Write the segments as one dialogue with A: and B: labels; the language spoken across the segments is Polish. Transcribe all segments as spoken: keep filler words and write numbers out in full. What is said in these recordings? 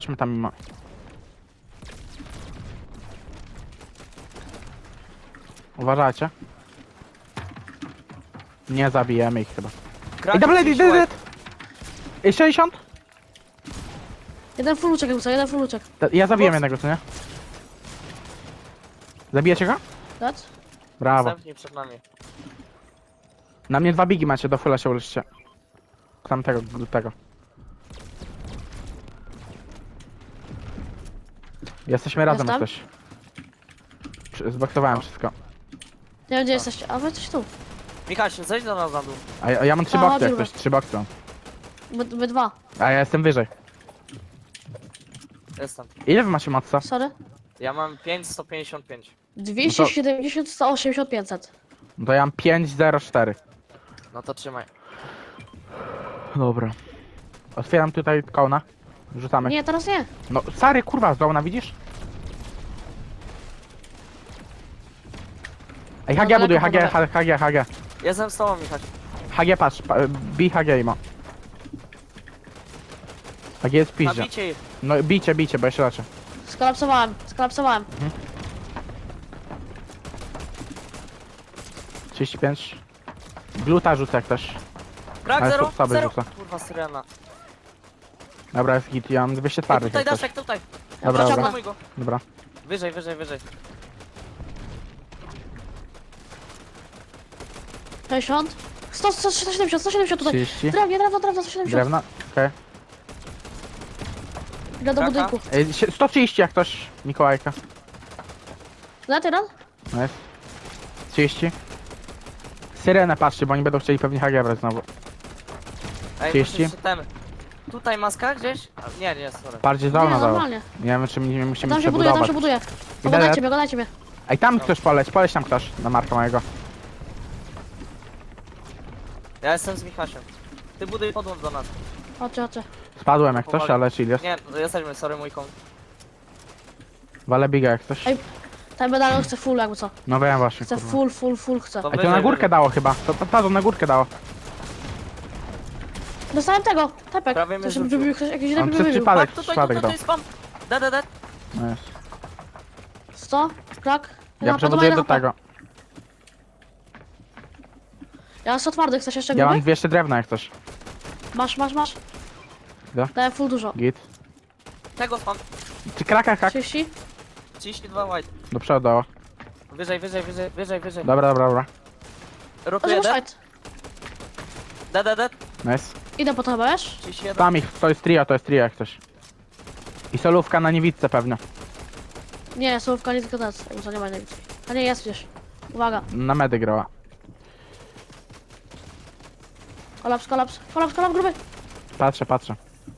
A: Chodźmy tam mimo. Uważajcie. Nie zabijemy ich chyba.
B: Krak,
A: I double
B: gdzieś
A: dead,
B: łeb.
A: dead! I sześćdziesiąt?
C: Jeden fuluczek, jakby co, jeden fuluczek.
A: Ta- Ja zabiłem
B: Box.
A: jednego, co nie? Zabijecie go?
C: Dat?
A: Brawo.
B: Następnie przed nami.
A: Na mnie dwa bigi macie, do fulla się uleczycie. Tamtego, do tego. Jesteśmy razem
C: Jestem?
A: jesteś. Przy- Zboksowałem wszystko.
C: Nie wiem gdzie jesteście, a wy coś tu.
B: Michał, zejdź do nas na dół.
A: A ja, a ja mam trzy
C: A,
A: boksy jak
C: dziura.
A: ktoś, trzy boksy mam.
C: My, my dwa.
A: A ja jestem wyżej.
B: Jestem.
A: Ile wy macie matca?
C: Sorry.
B: Ja mam pięć sto pięćdziesiąt pięć.
C: dwieście siedemdziesiąt, sto osiemdziesiąt, pięćset.
A: No to ja mam pięć zero cztery.
B: No to trzymaj.
A: Dobra. Otwieram tutaj kołna. Rzucamy.
C: Nie, teraz nie.
A: No, stary, kurwa, z dołna, widzisz? Ej, H G
C: No,
A: buduje,
C: daleko
A: H G,
C: podane.
A: H G, H G.
B: Jestem z tobą, Michał.
A: H G, patrz, pa, bij H G ima. H G jest piździe.
B: Nabicie ich.
A: No, bijcie, bijcie, bo ja się leczę.
C: Skolapsowałem, skolapsowałem.
A: trzydzieści pięć. Gluta rzucę jak też.
B: Krak
A: Ale
B: zero,
A: to sobie
B: zero.
A: rzucę.
B: Kurwa, syrena.
A: Dobra, jest git, ja mam dwieście
B: Ej,
A: twardych
B: tutaj
A: jak też.
B: daszek, tutaj.
A: Dobra,
C: Dobra.
A: dobra,
B: Mój go.
A: dobra.
B: Wyżej, wyżej, wyżej.
C: sześćdziesiąt. sto, sto, sto siedemdziesiąt, sto siedemdziesiąt tutaj.
A: trzydzieści.
C: Drewnie, drewno, drewno, sto siedemdziesiąt.
A: Drewna, okej.
C: Idę do
B: Kraka?
C: budynku.
A: Ej, sie- sto trzydzieści jak ktoś, Mikołajka.
C: Na teraz?
A: Nice. trzydzieści. Syrenę patrzcie, bo oni będą chcieli pewnie H G brać znowu.
B: Ej,
A: trzydzieści.
B: muszę się tem. Tutaj maska gdzieś? A, nie, nie, sorry.
A: Bardziej z
C: Nie,
A: dołna dało.
C: normalnie.
A: Nie wiem, czy my nie musimy
C: Tam się buduje, tam
A: przebudować.
C: się buduje.
A: Idę,
C: Oglądajcie mnie, oglądajcie mnie.
A: Ej, tam ktoś poleć, poleć tam ktoś na marka mojego.
B: Ja jestem z Michasiem. Ty buduj podłącz do nas.
C: Chodźcie, chodźcie.
A: Spadłem jak coś,
B: Powoli.
A: ale chill jest.
B: Nie, no jesteśmy, sorry mój kąt.
A: Wale biga jak coś.
C: Ej, ten medalion chce full jakby co.
A: No wiem właśnie,
C: Chce
A: kurwa.
C: full, full, full chce.
B: To
A: Ej, to
B: wyżej,
A: na górkę
B: wyżej.
A: dało chyba. To, to, to, to na górkę dało.
C: Dostałem tego, tepek.
B: Prawie mnie
C: To się
B: zrzucił.
C: wybił, ktoś jakiś
A: On
C: lepiej
A: przez
C: wybił.
A: przypadek,
B: Tak, tutaj,
A: przypadek
B: tutaj,
A: dał.
B: tutaj jest pan. Dead, dead, dead.
A: No jest.
C: sto, krak.
A: Ja przebuduję do tego.
C: Ja mam sto twardych, chcesz jeszcze
A: Ja mam
C: gruby?
A: dwieście drewna jak coś.
C: Masz, masz, masz.
A: Da?
C: Dałem full dużo.
A: Git.
B: Tego pan.
A: Czy kraka hak?
C: trzydzieści?
B: trzydzieści dwa white.
A: Do przodu dało.
B: Wyżej, wyżej, wyżej, wyżej, wyżej.
A: Dobra, dobra, dobra.
B: Rotuję
C: Może
B: dead.
C: fight.
B: Dead, dead, dead.
A: Nice.
C: Idę po to chyba, wiesz?
B: trzydzieści jeden.
A: Tam ich, to jest trio, to jest trio jak coś. I solówka na niewidce pewnie.
C: Nie, słówka nie tylko teraz, jakby co nie ma nic. A nie, jest gdzieś. Uwaga.
A: Na medy grała.
C: Kolaps, kolaps, kolaps, kolaps gruby.
A: Patrzę, patrzę.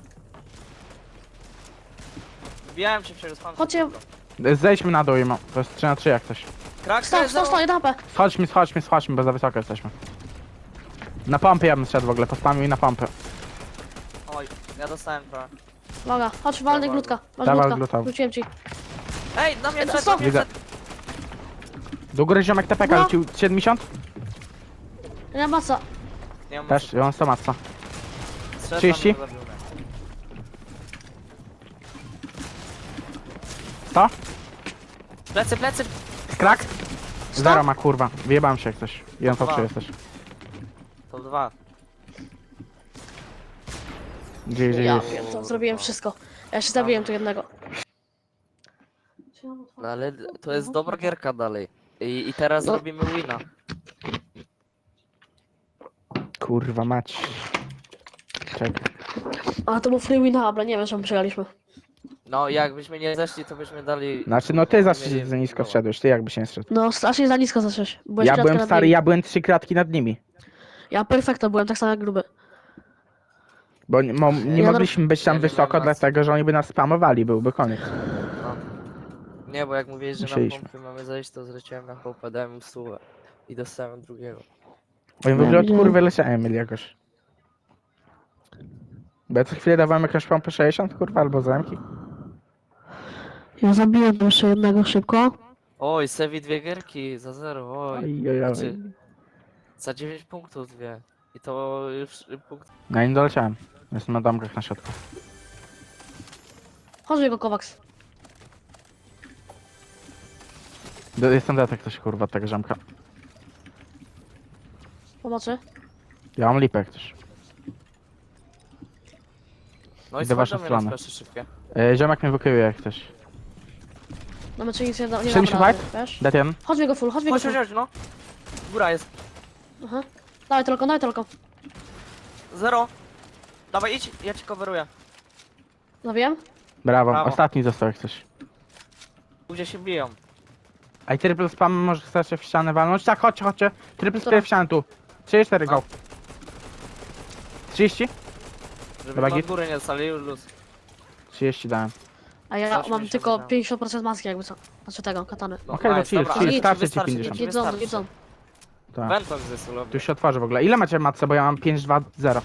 B: Wbijałem się przez pan.
C: Chodźcie.
A: Zejdźmy na dół i mam. To jest trzy na trzy jak coś.
B: Krak,
C: Sto, sto, sto, jeden H P.
A: Schodźmy, schodźmy, schodźmy, bo za wysoko jesteśmy. Na pompy ja bym szedł w ogóle, pospamił i na pompy.
B: Oj, ja dostałem trochę.
C: Uwaga, chodź, walny glutka. Masz
A: Dawaj
C: glutka.
A: gluta.
C: Wróciłem ci.
B: Ej, na mnie
C: Jeden,
B: przed,
C: sto.
B: na mnie
A: Widzę.
B: przed.
A: Do góry ziomek T P K
C: No.
A: rzucił siedemdziesiąt?
C: Nie ma maca.
B: Nie mam
A: Też, ja mam sto matca.
B: Strzel
A: trzydzieści?
B: tam mnie zabił.
A: sto?
B: Plecy, plecy.
A: Krak?
C: Sto?
A: Zero ma kurwa. Wyjebałem się jak coś. jeden po
B: Dwa.
A: trzy jesteś.
B: To dwa.
A: Gdzie, gdzie
C: Ja
A: jest?
C: pierdolę, zrobiłem wszystko. Ja się zabiłem tu jednego.
B: No ale to jest dobra gierka dalej. I, i teraz
C: No.
B: zrobimy wina.
A: Kurwa mać. Czekaj.
C: A to był free win hub, nie wiem czemu przegraliśmy.
B: No jakbyśmy nie zeszli, to byśmy dali...
A: Znaczy no ty
B: mieli-
A: zawsze za nisko zszedłeś, ty jakby się nie zszedł.
C: No strasznie za nisko zacząłeś. Byłeś
A: Ja
C: kratkę
A: byłem
C: nad
A: stary,
C: nimi.
A: ja byłem trzy kratki nad nimi.
C: Ja perfekto byłem, tak samo jak gruby.
A: Bo nie, mo, nie
C: Ja
A: mogliśmy być tam
B: Ja nie
A: wysoko,
B: mam nas.
A: dlatego że oni by nas spamowali, byłby koniec.
B: No. Nie, bo jak mówiłeś, że
A: Musieliśmy.
B: na pompy mamy zejść, to zleciałem na pompę, dałem im stówę. I dostałem drugiego.
A: Oni w
C: Ja
A: ogóle od
C: widziałem.
A: kurwy leciałem mieli jakoś. Bo ja co chwilę dawałem jakąś pompę sześćdziesiąt, kurwa, albo zamki.
C: Ja zabiłem jeszcze jednego szybko.
B: Oj, Sevi dwie gierki za zero, oj.
A: Oj, oj, oj.
B: Znaczy, za dziewięć punktów dwie. I to już punkt...
A: Ja nie doleciałem. Jestem na domkach na środku.
C: Chodź jego Kovacs.
A: Do- Jestem detek ktoś kurwa tego ziomka.
C: Pomocy.
A: Ja mam lipę jak ktoś.
B: No i
A: Idę w waszą
B: słuchaj do mnie
A: stronę.
B: na splaszy szybkie.
A: E, ziomek mnie wykyje jak ktoś.
C: No my czy nic nie, da, nie
A: siedemdziesiąt
C: damy
A: five?
C: rady, wiesz?
A: Dead jeden.
C: Chodź w jego full, chodź w jego
B: Chodź,
C: full.
B: chodź, chodź, no. Góra jest.
C: Aha. Dawaj tylko, dawaj tylko.
B: Zero. Dawaj, idź, ja ci coveruję.
C: Zabiłem?
A: Brawo.
B: Brawo.
A: Ostatni został jak coś.
B: Gdzie się biją.
A: A i triple spam może chcecie w ścianę walnąć? Tak, chodźcie, chodźcie. Triple
C: Która?
A: spam w ścianę tu. trzydzieści cztery go.
B: No.
A: trzydzieści?
B: Żeby
A: Dobra,
B: od
A: git.
B: góry nie dostali luz.
A: trzydzieści dałem.
C: A ja
B: Zawsze
C: mam
B: mi się
C: tylko
B: wydaje.
C: pięćdziesiąt procent maski jakby co. Znaczy tego, katany.
B: No,
A: Okej, to
B: nice,
A: chill,
B: dobra,
A: chill,
B: ale
A: starczy ci
B: wystarczy,
A: pięćdziesiąt.
B: ci
C: Jedzą,
B: wystarczy.
C: jedzą.
A: Tak.
B: Venton jest
A: Tu
B: ulubny.
A: się otworzy w ogóle. Ile macie matce? Bo ja mam pięć dwa zero.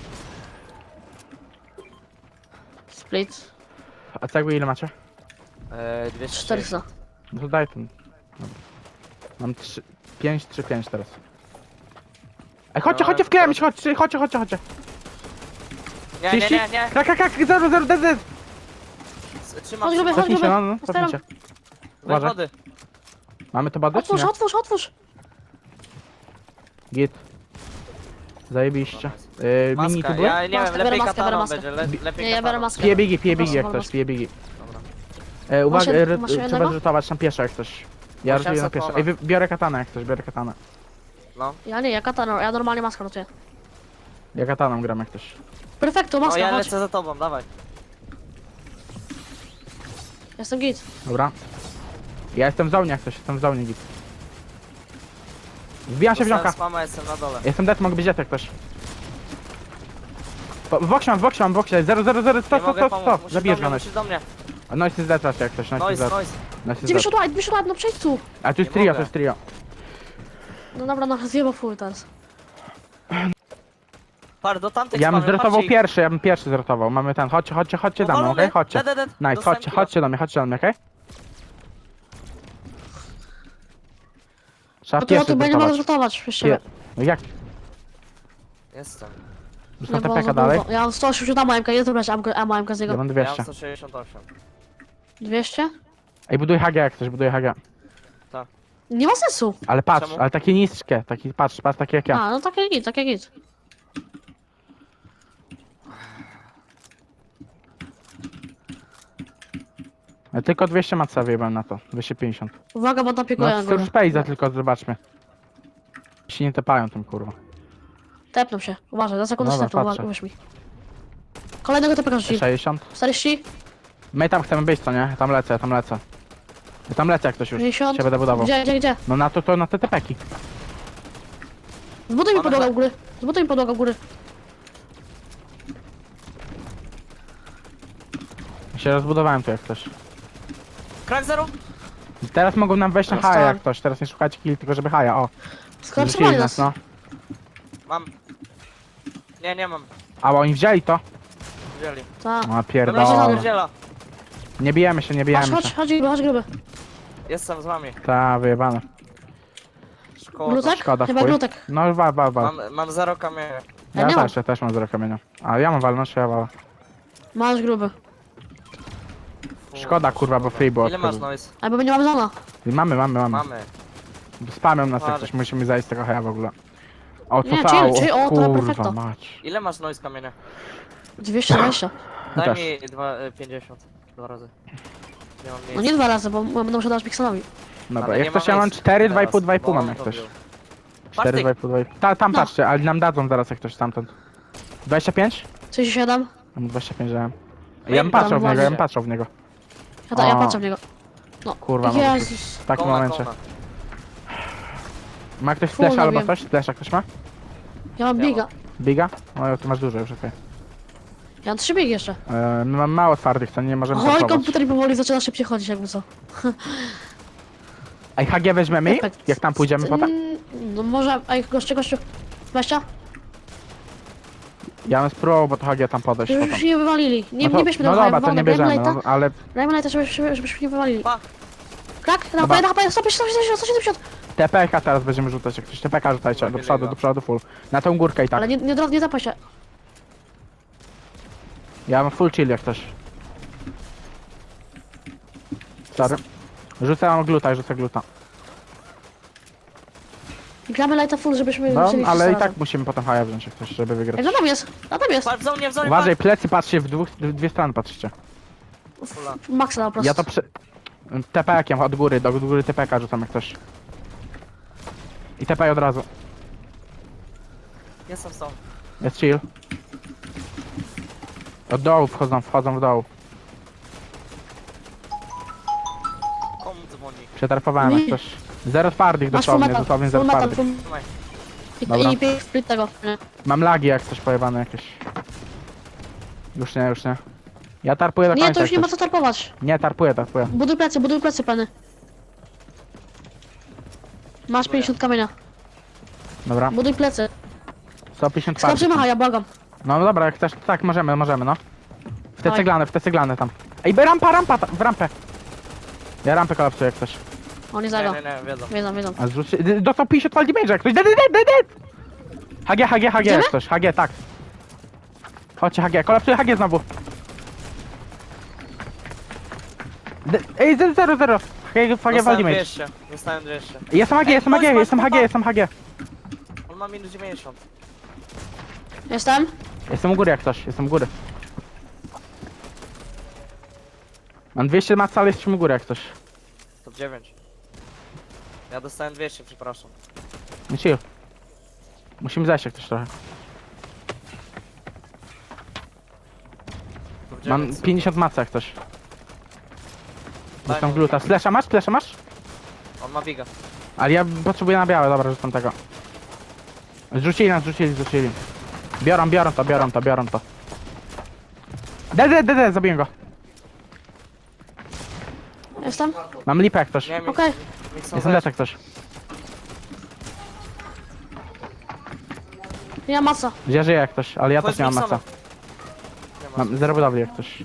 C: Split.
A: A cegły ile macie?
B: Eee, dwieście
C: czterysta.
A: No to daj ten. Dobra. Mam pięć trzy pięć teraz. Ej, chodźcie,
B: No,
A: chodźcie w
B: to-
A: klemić, chodźcie, chodźcie, chodźcie, chodźcie.
B: Nie, nie, nie, nie.
A: Krak, krak, krak, zero, zero, dead, dead.
B: Trzymam,
C: Chodź, gruby,
B: trzymam.
C: chodź.
A: Cofnijcie, no, no,
C: Otwieram.
A: cofnijcie.
B: Weź
A: Uważaj.
B: wody.
A: Mamy to badać, czy
C: Otwórz,
A: nie?
C: otwórz, otwórz.
A: Git. Zajebiście.
B: No,
A: Yy, mini
B: Maska,
A: tu były?
B: ja nie wiem,
C: Maskę, biorę
B: lepiej
C: maskę, biorę
B: kataną
C: maskę.
B: będzie, le, lepiej
C: Nie, ja biorę
B: kataną.
C: maskę.
A: Pije bigi, pije bigi
C: Proszę,
A: jak
C: wolę
A: ktoś, pije bigi.
B: Dobra.
A: E, uwaga,
C: Masz jed-
A: e,
C: masz
A: trzeba
C: jednego?
A: rzutować tam pieszo jak ktoś. Ja
B: Musiałem
A: rzutuję na pieszo.
B: zapłonąć.
A: Ej, wy- biorę katanę jak ktoś, biorę katanę.
B: No.
C: Ja nie, ja katana, ja normalnie maskę rotuję.
A: Ja kataną gram jak ktoś.
C: Perfekto,
B: No
C: maska,
B: ja
C: chodź.
B: lecę za tobą, dawaj.
C: Jestem git.
A: Dobra. Ja jestem w zonie jak ktoś, jestem w zonie git. Wbijam się w
B: Dostałem
A: ziomka.
B: spama, jestem na dole.
A: Jestem dead, mogę być dead jak ktoś. Po- W boksie mam, w boksie mam, w boksie. zero zero zero,
B: Nie
A: stop, stop,
B: mogę
A: stop,
B: pomóc,
A: stop.
B: musisz
A: Zabijesz
B: do
A: go,
B: mnie,
A: nice.
B: musisz do mnie.
A: No jest dead raczej jak ktoś, nice jest
B: Noise,
A: dead.
B: noise.
A: Nice jest dead.
C: dziewięćdziesiąt white, dziewięćdziesiąt white, no przejdź tu.
A: A tu jest
B: Nie
A: trio,
B: mogę.
A: to jest trio.
C: No dobra, no zjebał full teraz.
B: Par, do tamtych
A: Ja bym
B: spamy,
A: zrotował
B: patrzcie ich.
A: pierwszy, ja bym pierwszy zrotował. Mamy ten, chodźcie, chodźcie, chodźcie za mną,
B: Powalony.
A: okej? Chodźcie.
B: Dead, dead, dead.
A: Nice,
B: Dostałem
A: chodźcie,
B: killa.
A: chodźcie do mnie, chodźcie do mnie, okej? Trzeba
C: No to ja
A: pierwszy
C: tu będę mogę
A: zrotować.
C: zrotować przez siebie.
A: No jak?
B: Jestem.
A: Zostaw
C: Nie, bo
A: T P
C: za
A: K dalej?
C: dużo. Ja mam sto osiemdziesiąt ammo M K, ile to brać ammo M K z
A: Ja
C: niego?
A: mam
B: Ja
A: dwieście.
B: mam sto sześćdziesiąt osiem.
C: dwieście?
A: Ej, buduj H G jak ktoś, buduj H G.
C: Nie ma sensu.
A: Ale patrz,
B: Czemu?
A: ale takie niskie, taki, patrz, patrz, takie jak ja.
C: A, no takie git, takie git.
A: Ale tylko dwieście maca wyjebałem na to, dwieście pięćdziesiąt.
C: Uwaga, bo napiekuję
A: No,
C: na górę.
A: z Space'a tylko zobaczmy. Się nie tepają tym kurwa.
C: Tepną się, uważaj, za sekundę się
A: Dobra,
C: tepną,
A: patrzę.
C: uwierz mi. Kolejnego tepeka rzucili.
A: sześćdziesiąt.
C: czterdzieści,
A: My tam chcemy być, co nie? Ja tam lecę, ja tam lecę. Ja tam lecę jak ktoś już.
C: pięćdziesiąt.
A: Się będę budował.
C: Gdzie, gdzie, gdzie?
A: No na to, to na te tepeki.
C: Zbuduj mi
B: Mamy
C: podłogę
B: za-
C: u góry. Zbuduj mi podłogę u góry.
A: Ja się rozbudowałem tu jak ktoś.
B: Krak zero?
A: I teraz mogą nam wejść na
C: Dostałem.
A: haja jak ktoś. Teraz nie szukajcie kill, tylko żeby haja, o.
C: Skorczowali
A: Rzucili
C: nas.
A: no.
B: Mam. Nie, nie mam.
A: A bo oni wzięli to.
B: Wzięli.
C: Tak.
A: O
B: Dobra,
A: pierdolę.
B: pierdziela.
A: Nie bijemy się, nie
C: Chodź,
A: bijemy
C: chodź,
A: się.
C: chodź gruby, chodź gruby.
B: Jestem z wami.
A: Ta, wyjebane.
B: Szkoda.
C: Glutek?
A: szkoda,
C: Chyba
A: chuj.
C: glutek.
A: No wal, wal, wal.
B: Mam, mam zero kamienia.
C: Ja
A: Ja
C: nie
A: też, ja też mam zero kamienia. A ja mam walność, ja walę.
C: Masz gruby.
B: Fu,
A: Szkoda, kurwa, bo free było
B: Ile masz
A: odkrył.
B: noise?
C: Albo nie mamy zona.
A: Mamy, mamy, mamy.
B: Mamy.
A: Spamią nas jak
B: Ale-
A: coś, musimy zajść z tego haja w ogóle. O,
C: Nie,
A: co
C: chill, chill, o, to
A: kurwa
C: perfekto.
A: mać.
B: Ile masz noise kamienia?
C: dwieście dwadzieścia.
A: Ja
B: Daj
A: też.
B: mi dwa, e, pięćdziesiąt. Dwa razy. Nie mam
C: No
B: miejsca.
C: nie dwa razy, bo będę musiał dać pikselowi.
A: Dobra,
B: Ale
A: jak
B: nie
A: ktoś
B: mam
A: ja mam
B: miejsca
A: cztery, dwa i pół,
B: teraz,
A: dwa i pół
B: bo
A: mam
B: on
A: jak
B: to
A: ktoś.
B: wziął.
A: cztery,
B: Patrz
A: dwa i pół, dwa i pół. Ta, tam
C: No.
A: patrzcie, ale nam dadzą zaraz jak ktoś stamtąd. dwadzieścia pięć?
C: trzydzieści siedem.
A: Ja mu dwadzieścia pięć dałem.
B: No
A: Ja
B: i
A: bym patrzył w
C: tam
A: niego, ja bym
B: właśnie.
A: patrzył w niego.
C: Ja, ta, ja
A: O.
C: patrzę w niego. No.
A: Kurwa, mogę
C: Jezus.
A: w takim
B: Kona,
A: momencie.
B: kona.
A: Ma ktoś
C: Full
A: flash albo
C: nabiłem.
A: coś? Flash ktoś ma?
C: Ja mam
B: Ja
C: biga.
A: Biga? No ty masz dużo już, okej.
C: Ja mam trzy bigi jeszcze.
A: Okay. My mamy mało twardych, to nie możemy
C: Oj,
A: pasować.
C: komputer mi powoli zaczyna szybciej chodzić, jakby co.
A: Ej, H G weźmiemy ich?
C: Perfekt.
A: Jak tam pójdziemy potem?
C: Mm, No może, ej, gościu, gościu. dwadzieścia?
A: Ja bym spróbował, bo to H G tam podejść
C: Już
A: potem.
C: się nie wywalili. Nie,
A: No, to,
C: nie bierzmy
A: no
C: tego
A: dobra, to nie bierzemy,
C: Dajmy
A: no, ale
C: Dajmy lighta, żebyśmy żebyśmy nie wywalili.
B: Pa!
C: Krak, na
A: Dobra.
C: HP, na HP, sto siedemdziesiąt, sto siedemdziesiąt.
A: T P K teraz będziemy rzucać, jak ktoś T P K rzucajcie, do
B: Lepiej
A: przodu,
B: go.
A: do przodu, full. Na tą górkę i tak.
C: Ale nie, nie, nie, nie zapaj się.
A: Ja mam full chill jak ktoś. Sorry. Rzucam gluta, rzucę gluta.
C: Gramy lighta full, żebyśmy
A: No,
C: musieli
A: ale i
C: wszyscy
A: tak
C: razem.
A: musimy potem haja wziąć jak coś, żeby wygrać.
C: Ej, za tam jest, za tam jest.
B: Patrz, w zonie, w zonie,
A: Uważaj, plecy patrzcie, w dwóch, w dwie strony patrzcie.
B: Fula.
C: Maxa po prostu.
A: Ja to przy... T P kiem od góry, do góry T P ka rzucam jak coś. I T P od razu.
B: Jestem z tą.
A: Jest chill. Od dołu wchodzą, wchodzą w dołu.
B: Komu dzwoni?
A: Przetarpowałem jak
C: Mi.
A: coś. Zero twardych
C: Masz full
A: dosłownie,
C: metal,
A: dosłownie
C: full
A: zero
C: metal,
A: twardych.
C: full...
B: Trzymaj.
A: Dobra.
C: I, i, i split tego. Nie.
A: Mam lagi jak coś pojebane jakieś. Już nie, już nie. Ja tarpuję do końca
C: Nie, to już
A: jak
C: nie ma
A: coś.
C: co tarpować.
A: Nie, tarpuję, tarpuję.
C: Buduj plecy, buduj plecy, pany. Masz pięćdziesiąt kamienia.
A: Dobra.
C: Buduj plecy.
A: sto pięćdziesiąt twardych.
C: Skoczymy, ja błagam.
A: No dobra, jak chcesz, tak możemy, możemy, no. W te
C: Dawaj.
A: ceglane, w te ceglane tam. Ej, by rampa, rampa, ta, w rampę. Ja rampę kolapsuję jak coś.
C: On nie
B: Nie,
C: zagrał.
B: nie, nie, wiedzą.
C: Wiedzą, wiedzą.
A: A zrzuć... d- Dostał pięćdziesiąt fal damage jak ktoś. Dead, dead, dead, dead. H G, H G, H G jak coś. H G, tak. Chodźcie H G, kolapsuję H G znowu. De- Ej, zero, zero, zero. H G, H G fal
B: Dostałem
A: damage.
B: dwieście. Dostałem dwieście.
A: Jestem H G,
B: Ej,
A: jestem H G,
B: chodź, chodź,
A: jestem H G,
B: chodź.
A: jestem H G.
B: On ma minus dziewięćdziesiąt.
C: Jestem?
A: Jestem u góry jak coś, jestem u góry. Mam dwieście maca, ale jesteśmy u góry jak coś.
B: Top dziewięć. Ja dostałem dwieście, przepraszam.
A: Nie chill. Musimy zejść jak coś trochę.
B: Top
A: Mam
B: dziewięć.
A: pięćdziesiąt maca jak coś.
B: Daj
A: Dostam
B: mu.
A: gluta. Flesza masz? Flesza masz?
B: On ma biga.
A: Ale ja potrzebuję na białe, dobra, rzucam tego. Zrzucili nas, zrzucili, zrzucili. Biorą, biorą to, biorą to, biorą to. De, de, de, de, zabiję go.
C: Jestem?
A: Mam lipę jak coś.
B: Nie, mi,
C: Okej.
B: mi chcą
A: Jestem
B: zejść.
A: lecz jak coś.
C: Ja maca.
A: Ja żyję jak coś, ale ja
B: Chodź
A: też nie mam
B: miksowo.
A: maca.
B: Nie ma.
A: Mam zero budowli jak coś.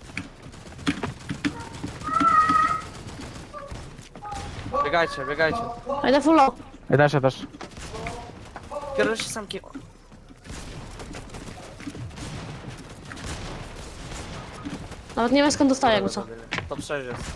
B: Biegajcie, biegajcie.
C: Ja idę full low.
A: Ja też, ja też.
B: Kieruj się sam ki...
C: Nawet nie wiem skąd dostaję jakby co.
B: Top sześć jest.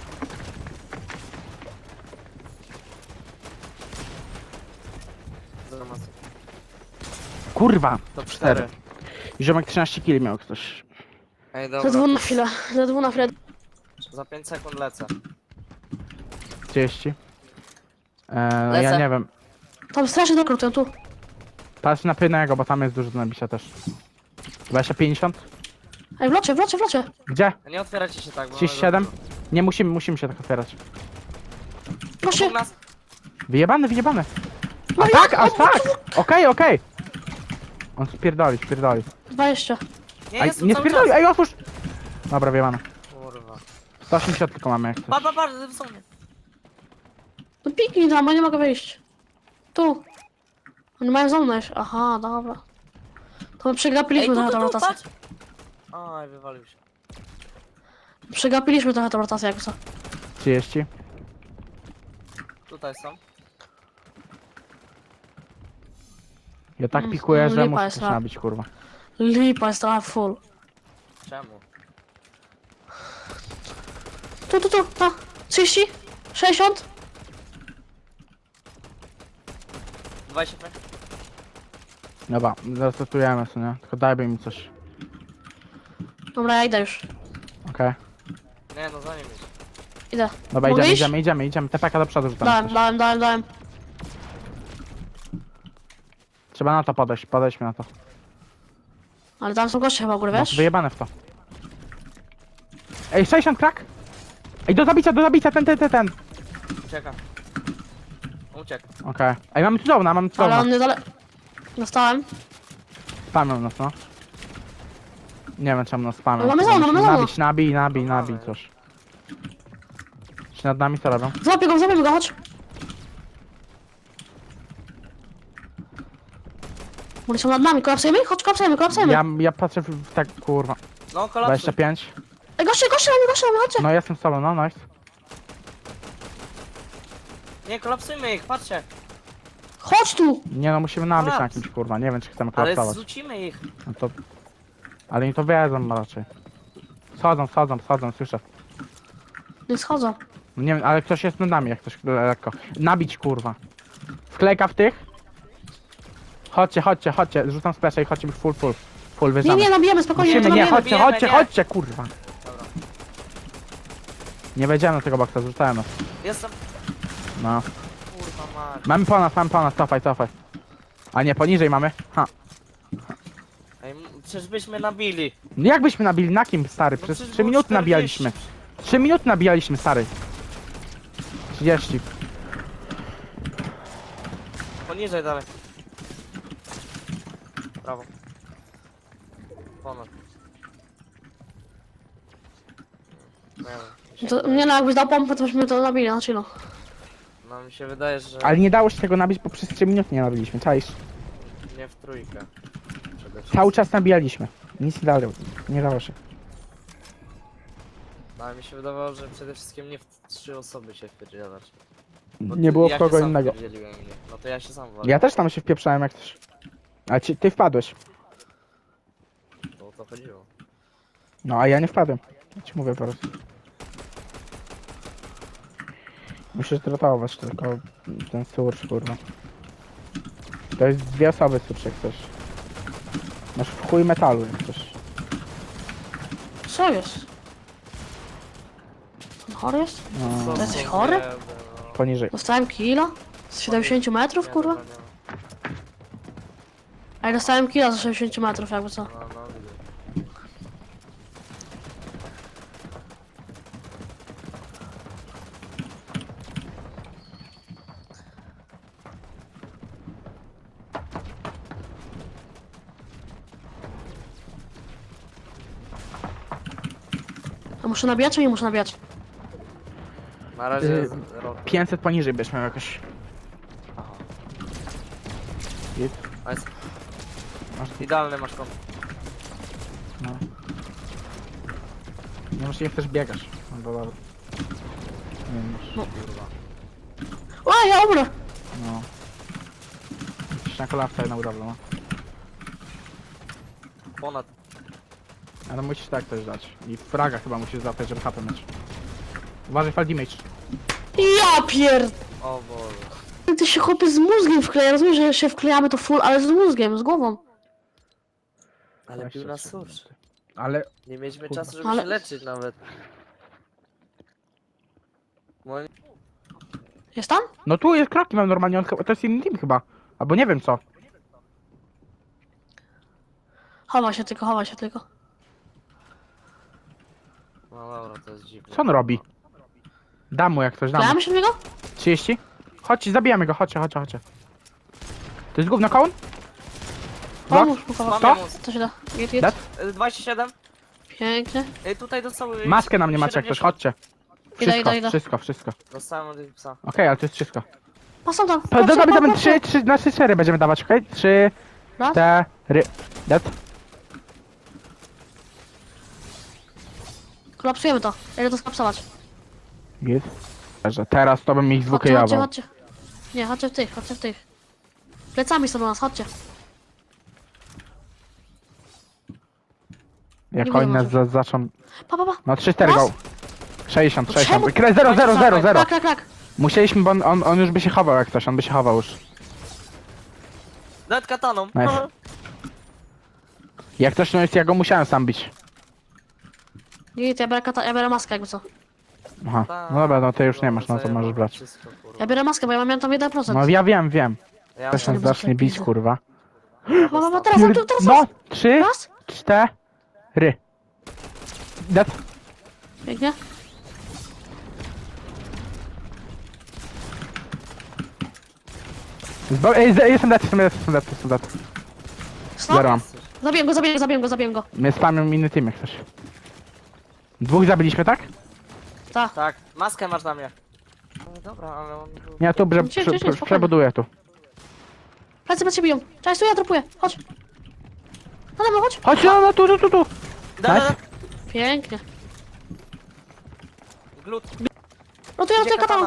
B: Zero masy.
A: Kurwa!
B: Top cztery.
A: Ziomek trzynaście kili miał ktoś.
B: Ej,
C: Za dwu
B: dobra.
C: na chwilę, za dwu na chwilę.
B: Za pięć sekund lecę.
A: trzydzieści. Eee, no ja
B: Lecę.
A: nie wiem.
C: Tam strasznie dokrutują tu.
A: Patrz na pynego, bo tam jest dużo do nabicia też. dwadzieścia pięćdziesiąt?
C: Ej, w locie, w locie, w locie.
A: Gdzie?
B: Nie otwieracie się tak, bo...
A: trzydzieści siedem? Nie musimy, musimy się tak otwierać.
C: Proszę.
B: Obok nas.
A: Wyjebany, wyjebany.
C: No
A: A
C: jak?
A: tak, a tak! Okej, okej. On spierdoli, spierdoli.
C: dwadzieścia.
B: Nie,
A: Ej,
B: jest tu
A: nie
B: cały
A: spierdoli,
B: czas.
A: ej otwórz! Dobra, wyjebane.
B: Kurwa.
A: sto osiemdziesiąt tylko mamy jak
B: Pa,
A: coś.
B: pa, pa, w zonie.
C: No piknij tam, bo nie mogę wyjść. Tu. Oni mają zonę już. Aha, dobra. To my
B: Ej,
C: przegapiliśmy
B: tu,
C: trochę
B: tu,
C: tą
B: tu,
C: rotację.
B: patrz. Aj, wywalił się.
C: Przegapiliśmy trochę tą rotację jakby co.
A: trzydzieści.
B: Tutaj są.
A: Ja tak
C: Mm,
A: pikuję, że
C: lipa
A: muszę
C: jest,
A: coś
C: no.
A: nabić, kurwa.
C: Lipa jest trochę full.
B: Czemu?
C: Tu, tu, tu, ta. trzydzieści? sześćdziesiąt?
B: dwadzieścia pięć.
A: Dobra, zasetujemy sobie, nie? Tylko dajby mi coś.
C: Dobra, ja idę już.
A: Okej.
B: Nie, no za nim jest.
C: Idę.
A: Dobra,
C: Mogę
A: idziemy,
C: iść?
A: idziemy, idziemy, idziemy. T P K do przodu rzucamy.
C: Dałem,
A: coś.
C: dałem, dałem, dałem.
A: Trzeba na to podejść, podejdźmy na to.
C: Ale tam są goście chyba u góry,
A: No,
C: wiesz?
A: wyjebane w to. Ej, sześćdziesiąt krak! Ej, do zabicia, do zabicia, ten, ten, ten, ten.
B: Ucieka. Uciekł.
A: Okej. Ej, mamy cudowna, mamy
C: Ale
A: cudowna.
C: on nie dole... Dostałem.
A: Spamią nas, no. Nie wiem czemu nas spamią.
C: Ale mamy zona, mamy zona.
A: Nabić, nabij, nabij,
B: No
A: nabij
B: mamy.
A: coś. Czy nad nami co robią?
C: Złapię go, złapię go, chodź. Oni są nad nami, kolapsujemy ich? Chodź, kolapsujemy, kolapsujemy.
A: Ja, ja patrzę w, w tak, kurwa.
B: No, kolapsuj.
A: dwadzieścia pięć.
C: Ej, goście, goście na mnie, goście na mnie, chodźcie.
A: No jestem z tobą, no, nice.
B: Nie, kolapsujmy ich, patrzcie.
C: Chodź tu.
A: Nie no, musimy nabić na
B: Kolaps.
A: kimś, kurwa. Nie wiem czy chcemy
B: Ale
A: kolapsować.
B: zrzucimy ich.
A: No to... Ale oni to wiedzą raczej. Schodzą, schodzą, schodzą, słyszę.
C: Nie schodzą.
A: Nie wiem, ale ktoś jest nad nami, jak ktoś lekko. Nabić, kurwa. Wklejka w tych. Chodźcie, chodźcie, chodźcie. Rzucam splash i chodźcie full, full. Full,
C: Nie,
A: wyjeżdżamy.
C: nie, nabijemy, spokojnie,
A: Musimy,
C: to
A: nie,
C: nabijemy.
A: chodźcie,
B: Bijemy,
A: chodźcie,
B: nie.
A: chodźcie, kurwa.
B: Dobra.
A: Nie wejdziemy do tego boksa, zrzucałem nas.
B: Jestem.
A: No.
B: Kurwa mać.
A: Mamy po nas, mamy po nas, cofaj, cofaj. A nie, poniżej mamy. Ha.
B: Ej, m- przecież byśmy nabili.
A: No jak byśmy nabili? Na kim, stary?
B: No
A: Przez
B: przecież
A: trzy
B: było
A: minuty
B: czterdzieści.
A: nabijaliśmy. trzy minuty nabijaliśmy, stary. trzydzieści.
B: Poniżej dalej. Brawo. Ponad. Nie wiem.
C: To, nie no, jakbyś dał pompę, to byśmy to nabili, na chillu.
B: No mi się wydaje, że
A: Ale nie dało się tego nabić, bo przez trzy minuty nie nabiliśmy, czaisz?
B: nie w trójkę. Przede wszystkim.
A: Cały czas nabijaliśmy. Nic nie dało, nie dało się.
B: No, ale mi się wydawało, że przede wszystkim nie w trzy osoby się wpierdzielać. Bo
A: Nie
B: ty-
A: było
B: ja
A: w kogo
B: się sam
A: innego.
B: wpierdzieliłem mnie. No to ja się sam walę.
A: Ja też tam się wpieprzałem jak coś. A ci, ty wpadłeś.
B: Bo o to chodziło.
A: No a ja nie wpadłem. Ja ci mówię po prostu. Musisz zrotować tylko ten surcz, kurwa. To jest dwie osoby surcz jak coś. Masz w chuj metalu jak coś.
C: Co jest? On chory jest?
A: No,
B: Co
C: jesteś
B: za
C: chory?
B: biedy, no.
A: poniżej.
C: Dostałem kilo? Z siedemdziesięciu metrów,
B: Nie,
C: kurwa?
B: dobra, nie.
C: A ja dostałem kilo z sześćdziesięciu metrów, jakby co.
B: No, no, widzę.
C: A muszę nabijać, czy nie muszę nabijać?
B: Na razie
A: Yy,
B: jest rok.
A: pięćset poniżej byś miał jakoś.
B: Aha.
A: Git.
B: Nice.
A: Masz
B: Idealny masz kąt.
A: no. Nie masz, nie chcesz biegasz. No bo dobra. Nie masz.
C: No.
B: Kurwa.
C: O, ja umrę!
A: No. Jesteś na kolawce na budowlę, no.
B: Ponad.
A: Ale musisz tak też dać. I fraga chyba musisz złapać, żeby H P mieć. Uważaj, fall damage.
C: Ja pier...
B: O Boże.
C: Ty się chłopie z mózgiem wkleja, rozumiem, że się wklejamy to full, ale z mózgiem, z głową.
B: Ale pił na susz.
A: Ale
B: Nie mieliśmy
A: Kurwa.
B: czasu, żeby
C: Ale-
B: się leczyć nawet. Moim...
C: Jest tam?
A: no tu jest kroki mam normalnie, on chyba, to jest inny team chyba. Albo nie wiem co.
C: Chowa się tylko, chowa się tylko.
B: No dobra, to jest dziwne.
A: Co on robi? Dam mu jak coś, dam mu.
C: Wklejamy się w niego?
A: trzydzieści? Chodź, zabijamy go, chodźcie, chodźcie, chodźcie. To jest gówno kołun? Dwa?
C: Pomóż mu, chowa.
B: Mam
A: To?
B: mus.
C: Co się da? Git, git.
A: Dat?
B: Y, dwadzieścia siedem.
C: Pięknie.
B: Ej, tutaj dostały...
A: Maskę na mnie macie jak ktoś,
B: siedemdziesiąt.
A: chodźcie.
C: Idę,
A: Wszystko,
C: idę, idę.
A: wszystko, wszystko.
B: Dostałem od ich psa.
A: Okej, ale to jest wszystko.
C: Pasą tam.
A: Pa-
C: patrzę,
A: Dawaj, dawaj,
C: patrzę.
A: trzy, trzy, na trzy, cztery będziemy dawać, okej? Trzy,
C: Raz.
A: cztery. Dat?
C: Kolapsujemy to. Ja idę to skolapsować.
A: Git. Dobrze, teraz to bym ich
C: Chodźcie, chodźcie,
A: zwokejował.
C: chodźcie. Nie, chodźcie w tych, chodźcie w tych. Plecami są do nas, chodźcie.
A: Jak
C: Nie
A: oni
C: widzę
A: nas
C: może.
A: za, zaczną...
C: Pa, pa, pa.
A: No trzy, cztery
C: Raz.
A: go. sześćdziesiąt,
C: Czemu?
A: sześćdziesiąt. Kre- zero, zero, zero, zero.
C: Krak, krak, krak.
A: Musieliśmy, bo on, on, on już by się chował jak coś, on by się chował już.
B: Nawet kataną.
A: Nice. Jak coś, no jest, ja go musiałem sam bić.
C: Git, ja biorę, kata, ja biorę maskę jakby co.
A: Aha,
B: Tak,
A: no dobra, no ty już nie masz, no to
B: zajebałem
A: możesz brać.
B: wszystko, kurwa.
C: Ja biorę maskę, bo ja miałem tam jeden procent.
A: No ja wiem, wiem.
B: Ja
A: Też
B: mam
A: nas zacznie bić, kurwa.
C: Pa, pa, pa, teraz,
A: Pier-
C: teraz, teraz,
A: No, trzy,
C: raz.
A: cztery. Dat.
C: Pięknie.
A: Zbo- Ej, z- jestem dat, jestem dat, jestem dat, jestem dat.
C: Stop.
A: Zero mam.
C: Zabiję go, zabiję go, zabiję go, zabiję go.
A: My spamią inny team jak coś. Dwóch zabiliśmy, tak?
C: Tak.
B: Tak, maskę masz na mnie. No dobra, ale on... był-
A: Nie, tu prze,
C: Gdzie,
A: prze,
C: gdzie,
A: prze,
C: spokojnie.
A: przebuduję tu.
C: Plecy plecy biją. Cześć, tu ja dropuję. Chodź. Nade mną, chodź.
A: Chodź, no, no, tu, tu, tu, tu.
B: Da, da, da.
A: Nice.
C: Pięknie.
B: Glut.
C: No to ja
B: Gdzie
C: tutaj kataną.
B: katana?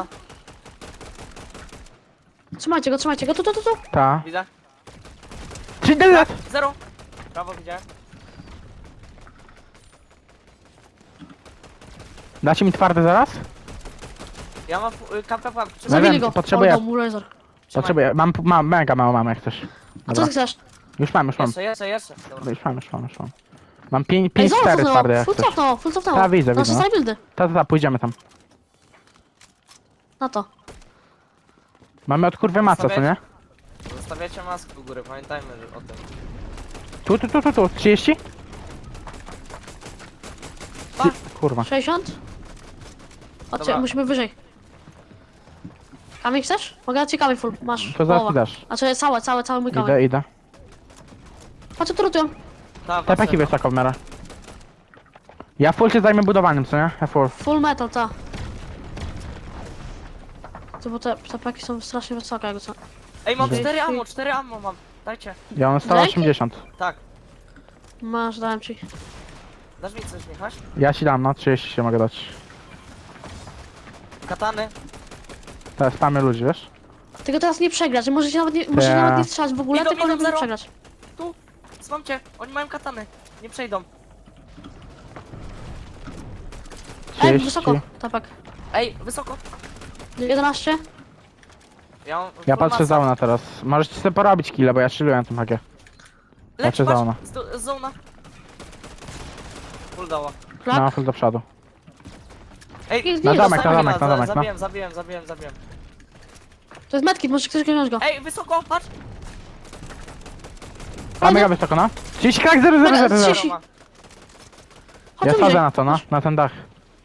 C: Trzymajcie go, trzymajcie go. Tu, tu, tu, tu.
A: Ta.
B: Widzę.
A: Trzy, dat.
B: Zero. Prawo widziałem.
A: Dacie mi twarde zaraz?
B: Ja mam y, kampę pułapki.
A: No
B: Trzymaj.
C: Zabili
A: wiem,
C: go.
A: potrzebuję-
C: Oddał mu laser.
A: Potrzebuję, mam, mam, mega mało mam jak coś.
C: A co
A: Dobra.
C: ty chcesz?
A: Już mam, już mam.
B: Jeszcze, jeszcze, jeszcze. Dobra.
A: Już mam, już mam, już mam. Mam pięć,
C: Ej,
A: pięć,
C: zobacz
A: cztery
C: co
A: twarde
C: to.
A: jak
C: Full
A: coś.
C: cofnęło, full cofnęło.
A: Ta, widzę,
C: Nasze
A: widzę, no.
C: side buildy.
A: Ta, ta, ta, pójdziemy tam.
C: Na to.
A: Mamy od kurwy maca, co nie?
B: Zostawiacie maskę u góry, pamiętajmy że o tym.
A: Tu, tu, tu, tu, tu, trzydzieści?
B: Pa!
A: Kurwa.
C: sześćdziesiąt? Chodźcie,
B: Dobra.
C: musimy wyżej. Kamień chcesz? Mogę dać ci kamień full. Masz.
A: To zaraz
C: połowa.
A: mi dasz.
C: Znaczy całe, całe, cały mój kamień.
A: Idę, idę.
C: Patrz, tu rotują.
B: Ta,
A: Te peki wysoko w miarę. Ja full się zajmę budowaniem, co nie? Ja full.
C: Full metal, ta. To bo te, te paki są strasznie wysokie, jakby co.
B: Ej, mam
A: Dzięki.
B: cztery ammo, cztery ammo mam. Dajcie.
A: Ja mam sto osiemdziesiąt.
B: Tak.
C: Masz, dałem ci.
B: Dasz mi coś, Michaś?
A: Ja ci dam, no trzydzieści się mogę dać.
B: Katany.
A: Teraz spamy ludzi, wiesz?
C: Tylko teraz nie przegrać, że możecie nawet nie, możecie
A: Ta.
C: nawet nie strzelać w ogóle,
B: Idą,
C: tylko
B: idą,
C: nie
B: zero.
C: przegrać.
B: Tu. Złam cię. Oni mają katany. Nie przejdą.
C: Ej,
A: trzydzieści.
C: wysoko, tapak.
B: Ej, wysoko.
C: jedenaście.
B: Ja, mam
A: Ja
B: full
A: patrzę
B: masa.
A: za ona teraz. Możecie sobie porobić kile, bo ja chilluję na tym hakie.
B: Leć,
A: Patrzę za
B: patrz,
A: ona.
B: z do- z zona. Full dała.
C: Klak.
A: No, full do przodu.
B: Ej,
C: Jest
A: Na
C: git.
A: domek, na
B: zostawię
A: domek,
B: go,
A: na
B: za-
A: domek, no.
B: Zabiłem, zabiłem, zabiłem, zabiłem.
C: To jest medkit, może ktoś wziąć go.
B: Ej, wysoko, patrz.
A: A mega wysoko, no. trzydzieści krak, zero, zero, zero, zero.
C: trzydzieści.
B: Ma.
C: Chodź
A: Ja
C: tu
A: sadzę
C: bliżej.
A: na to, no. Na ten dach.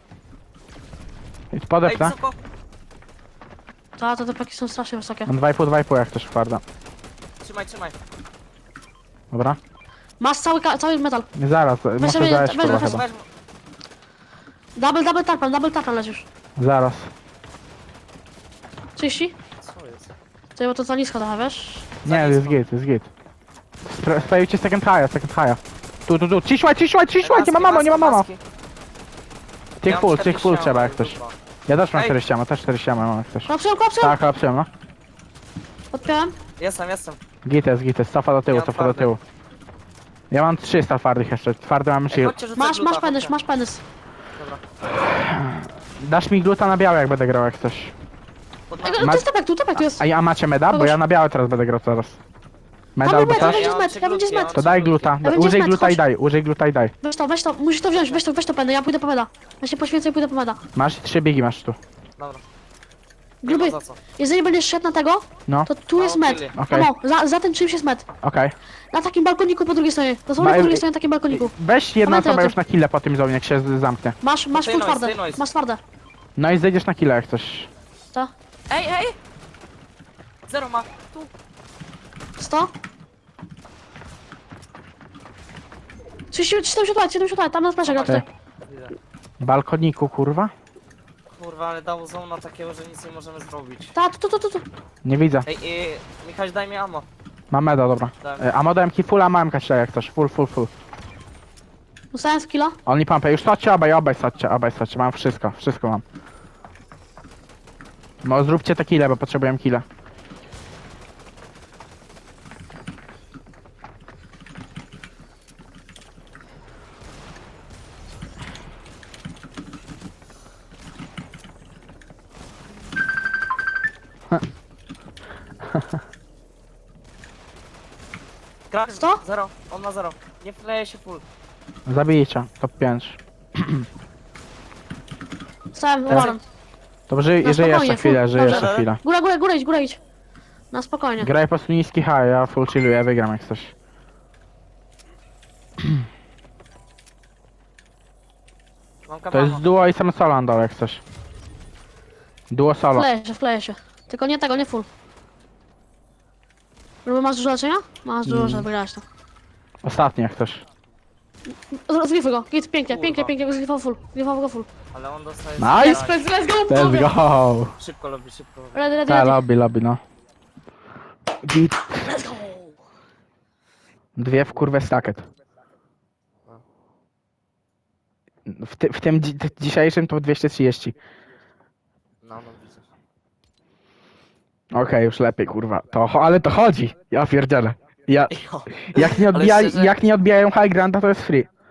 A: I
B: Ej,
A: podepnę.
B: wysoko.
C: Ta, to te paki są strasznie wysokie.
A: Mam dwa i pół, dwa i pół jak też twarda.
B: Trzymaj, trzymaj.
A: Dobra.
C: Masz cały, ka- cały metal.
A: Nie zaraz, muszę
C: sobie-
A: zajść
C: weź,
A: kurwa
C: weź,
A: chyba.
B: Weź,
C: Double, double tarpan, double tarpan lecisz.
A: Zaraz.
C: trzydzieści?
B: co jest?
C: To bo to za nisko trochę, wiesz?
A: Nie, jest git, jest git. Spra- Sprawdźcie second high, second high. Tu, tu, tu. Ciszłaj, ciszłaj, ciszłaj, nie ma mamo, nie ma mamo. Tych full, tych full trzeba jak coś. Ja też mam
B: Ej.
A: czterdzieści, mam też czterdzieści mam jak coś.
C: Klapsują, klapsują!
A: Tak, klapsuję, no.
C: Podpiąłem.
B: Jestem, jestem.
A: Gites, gites, cofa do tyłu,
B: Ja mam
A: cofa do
B: twardy.
A: tyłu. Ja mam trzysta twardych jeszcze, twardy mam
B: Ej,
A: shield.
B: chodźcie, rzucaj
C: Masz,
B: gluta,
C: masz penys,
B: chodźcie.
C: masz penys.
B: Dobra.
A: Dasz mi gluta na białe jak będę grał jak coś.
B: Pod
C: Ej,
B: nami.
C: no
A: Ma-
C: to jest tapek, tu tapek tu jest.
A: A, a macie meda? Bo
C: Kogoś-
A: ja na białe teraz będę grał teraz. Meda
C: Tam
A: albo
C: był med,
A: coś?
C: będzie
B: Ja mam
C: med,
B: trzy
C: ja będzie
B: gluty, ja
C: med.
B: mam
A: To daj gluta,
C: Ja będzie
A: użyj
C: med,
A: gluta i
C: chodź.
A: daj, użyj gluta i daj.
C: Weź to, weź to, musisz to wziąć, weź to, weź to penę, ja pójdę po meda. Ja się poświęcę i pójdę po meda.
A: Masz trzy biegi masz tu.
B: Dobra. Nie ma
C: Gruby,
B: za co.
C: jeżeli będziesz szedł na tego,
A: No,
C: to tu jest
B: No,
C: med.
B: chwilę.
A: Okej.
C: No, za, za tym czymś jest med.
A: okej.
C: Na takim balkoniku po drugiej stronie. Dosłownie
A: Ma-
C: po drugiej stronie na takim balkoniku.
A: Weź jedna
C: Pamiętaj o
A: osoba
C: tym.
A: już na kille po tym zonie, jak się z- zamknie.
C: Masz, masz
B: Stay
C: full
B: noise,
C: twarde.
B: stay noise.
C: Masz twarde.
A: No i zejdziesz na kille jak coś.
C: Ta.
B: Ej, ej! Zero ma. Tu.
C: sto. trzydzieści, siedemdziesiąt lat, siedemdziesiąt lat, tam na splasze gra
A: Okej.
C: tutaj.
B: Widzę.
A: Balkoniku, kurwa?
B: Kurwa, ale dało zona takiego, że nic nie możemy zrobić.
C: Ta, tu, tu, tu, tu, tu.
A: Nie widzę.
B: Ej, ej, Michał, daj mi ammo.
A: Mam meda, dobra.
B: Tak.
A: E, A modem ki full, a mam kasia jak coś. Full, full, full.
C: Dostałem skilla.
A: Oni pompę. Już chodźcie obaj, obaj chodźcie, obaj chodźcie. Mam wszystko, wszystko mam. No zróbcie te kile, bo potrzebuję kile.
B: Krak,
C: Sto?
B: Zero. On ma zero. Nie wleje się full.
A: Zabijcie, top pięć.
C: Stałem
A: Tak.
C: umarłem.
A: To żyj,
C: No
A: żyj
C: spokojnie,
A: jeszcze chwilę,
C: full.
A: żyj
C: Dobrze.
A: jeszcze chwilę.
C: Góra, góra, góra idź, góra idź. Na spokojnie.
A: Graj po prostu niski high, ja full chilluję, wygram jak coś.
B: Mam
A: To
B: kabano.
A: jest duo i sam solo na dole jak coś. Duo solo.
C: Wkleję się, wkleję się. Tylko nie tego, nie full. Żeby masz dużo leczenia? Masz dużo,
A: Mm.
C: żeby wygrać to.
A: Ostatni jak coś.
C: Z- Zgrifuj go, git, pięknie,
B: Kurwa.
C: pięknie, pięknie, zgrifował full. Zgrifował go full.
B: Ale on dostaje...
A: Nice!
B: zero.
C: Let's, let's go,
A: Let's
C: panowie.
A: go!
B: Szybko lobby, szybko lobby.
C: Ready, ready,
A: Ta,
C: ready.
A: lobby, lobby, no. Git.
C: Let's go.
A: Dwie w kurwę stacket. W, ty, w tym dzi dzisiejszym to dwieście trzydzieści.
B: No, no widzę.
A: Okej, już lepiej kurwa. To, cho- ale to chodzi. Ja pierdzielę. Ja,
B: Jo.
A: jak, nie
B: Ale
A: odbija,
B: szczerze-
A: jak nie odbijają high granta to jest free.